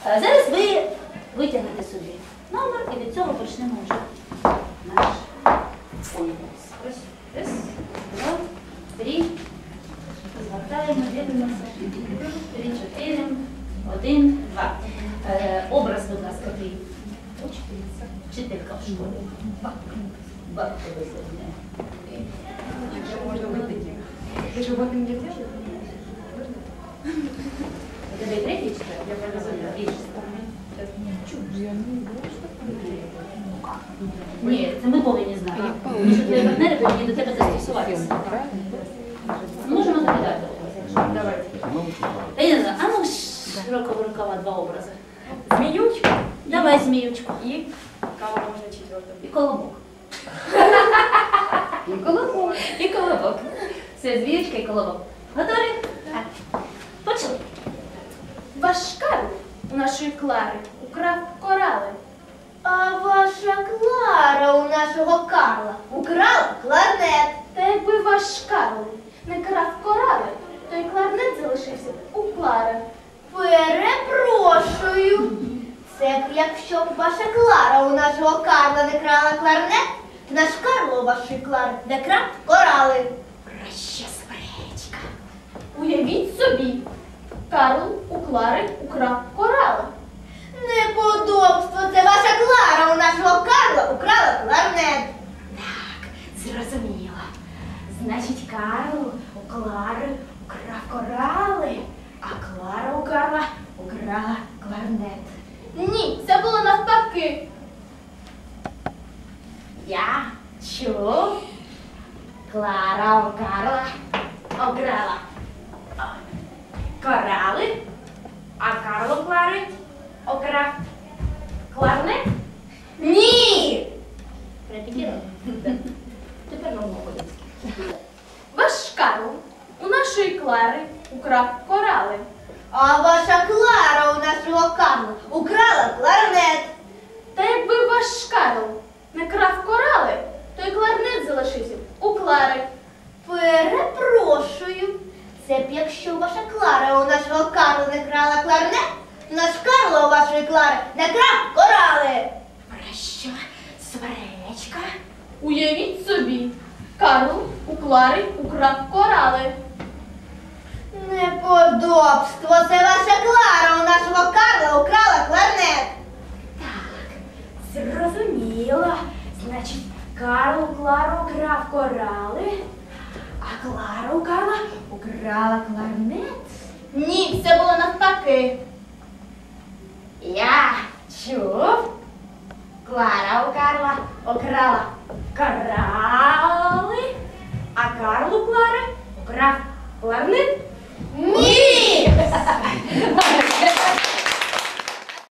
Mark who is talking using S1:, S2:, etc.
S1: Зараз ви витягнете собі номер і від цього почнемо вже наш конкурс. Раз, два, три. Звертаємо, дивимося. 3, 4, 1, 2. Образ, будь ласка, ти. Вчителька в школі. Бабка висадня.
S2: Ты же вот не делаешь?
S1: У тебе третій чи я більше. Ні, це ми повинні знати. Тому що твої партнери повинні до тебе застосуватися. Можемо закидати образи, якщо.
S2: Давайте.
S1: Я не знаю, а ну широкого рукава 2 образи.
S2: Змеючка.
S1: Давай зміючку.
S2: И кого можно четвертым?
S1: І колобок.
S2: И колокол.
S1: І колобок. Все, зміючка і колобок. Готові? Так. Почали.
S3: Ваш Карл у нашої Клари украв корали. А ваша Клара у нашого Карла украла кларнет. Та якби ваш Карл не крав корали, то й кларнет залишився у Клари. Перепрошую. Це якщо б ваша Клара у нашого Карла не крала кларнет, то наш Карло у вашої Клари не крав корали. Проща суперечка. Уявіть собі, Карл у Клари украв корали. Неподобство, це ваша Клара у нашого Карла украла кларнет.
S4: Так, зрозуміло. Значить, Карл у Клари украв корали, а Клара у Карла украла кларнет.
S3: Ні, це було навпаки.
S4: Я чув, Клара у Карла украла корали, а Карл у Клари украв кларнет.
S3: Ні!
S1: Репетірували? Тепер на мову.
S3: Ваш Карл у нашої Клари украв корали.
S5: А ваша Клара у нашого Карла украла кларнет.
S3: Та якби ваш Карл не крав корали, то й кларнет залишився у Клари.
S5: Перепрошую. Це б якщо ваша Клара у нашого Карла не крала кларнет, то наш Карло у вашої Клари не крав корали.
S4: Про що суперечка?
S3: Уявіть собі, Карл у Клари украв корали.
S5: Неподобство. Це ваша Клара у нашого Карла украла кларнет.
S4: Так, зрозуміло. Значить, Карл у Клару украв корали, а Клара у Карла украла кларнет.
S3: Ні, це було навпаки.
S4: Я чув, Клара у Карла украла корали, а Карл у Клари украв кларнет.
S3: Ні!